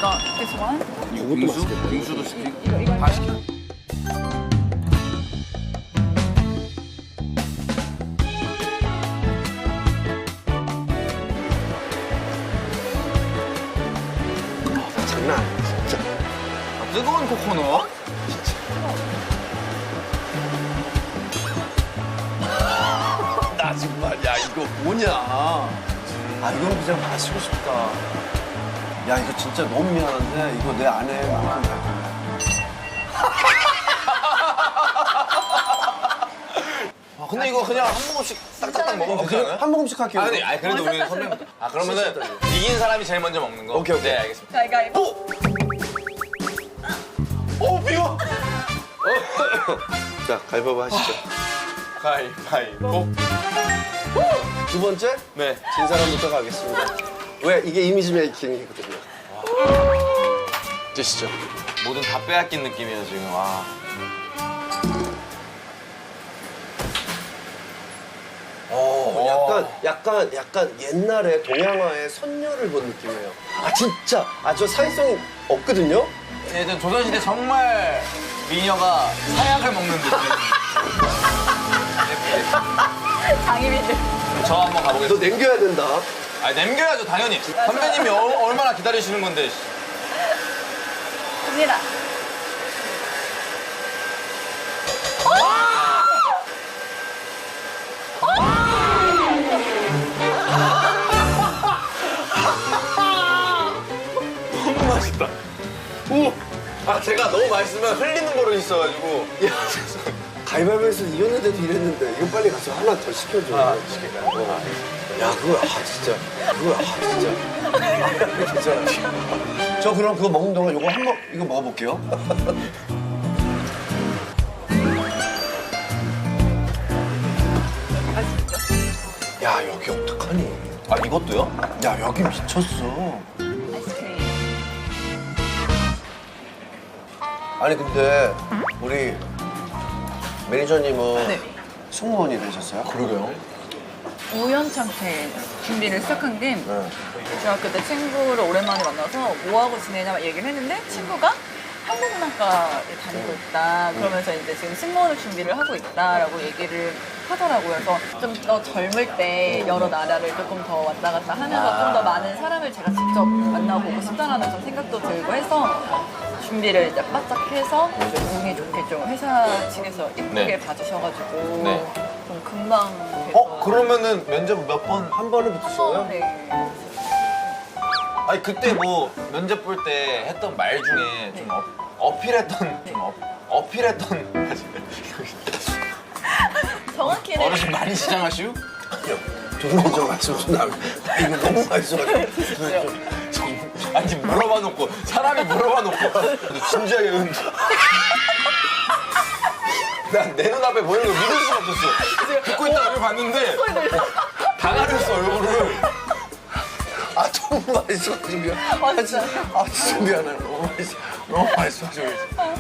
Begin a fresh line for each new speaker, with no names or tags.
got this one.
이것도 맛있겠다.
빙수도 시키고
이거
다 시켜.
장난 아니야, 진짜.
뜨거운 코코넛?
나 정말, 야, 이거 뭐냐. 아, 이건 그냥 마시고 싶다. 야, 이거 진짜 너무 미안한데, 이거 내 아내만큼 갈 거야.
아, 근데 이거 그냥 한 모금씩 딱딱딱 먹으면 되지 않아요?
한 모금씩 할게요.
아니 그래도 우리 선배. 아 그러면은 이긴 사람이 제일 먼저 먹는 거.
오케이, 오케이.
네 알겠습니다.
가위가위보.
오 비워.
자, 가위바위보 하시죠.
가위바위보.
두 번째,
네.
진 사람부터 가겠습니다. 왜? 이게 이미지 메이킹이거든요. 드시죠.
뭐든 다 빼앗긴 느낌이에요 지금. 와.
약간 옛날에 동양화의 선녀를 본 느낌이에요. 아, 진짜. 아, 저 사회성이 없거든요?
예전 조선시대 정말 미녀가 사약을 먹는 느낌.
장희빈들.
저 한번
너
가보겠습니다.
남겨야 된다.
아 남겨야죠 당연히. 선배님이 얼마나 기다리시는 건데.
갑니다.
너무 맛있다. 오! 아 제가 너무 맛있으면 흘리는 버릇이 있어가지고.
야, 가위바위보에서 이겼는데도 이랬는데, 이거 빨리 가서 하나 더 시켜줘.
시킬까요?
야, 그거, 진짜. 진짜. 저 그럼 그거 먹는 동안 이거 이거 먹어볼게요. 야, 여기 어떡하니?
아 이것도요?
야, 여기 미쳤어.
아이스크림.
아니, 근데 우리 매니저님은
네.
승무원이 되셨어요?
그러게요.
우연찮게 준비를 시작한 게
네.
중학교 때 친구를 오랜만에 만나서 뭐 하고 지내냐 막 얘기를 했는데 친구가 한국문학과에 다니고 있다. 그러면서 이제 지금 승무원을 준비를 하고 있다라고 얘기를 하더라고요. 그래서 좀 더 젊을 때 여러 나라를 조금 더 왔다 갔다 하면서 좀 더 많은 사람을 제가 직접 만나보고 싶다라는 좀 생각도 들고 해서 준비를 이제 바짝 해서 좀 운이 좋게 좀 회사 측에서 예쁘게
네.
봐주셔가지고
네.
좀 금방 돼서
그러면은 면접 몇 번?
한 번에 붙으시고요?
네.
아니 그때 뭐 면접 볼 때 했던 말 중에 좀 어필했던 어필했던
정확히는
어르신 많이 시장하시오?
조금만 좀 말씀 좀 나면 이거 너무 맛있어가지고.
아니 물어봐 놓고 사람이 물어봐 놓고 근데 진지하게 난 내 눈앞에 보이는 거 믿을 수가 없었어. 듣고 있다가 여기 봤는데 다 가렸어 얼굴을.
아, 너무 맛있어가지고 미안.
맛있어요.
아, 진짜 미안해. 너무 맛있어가지고.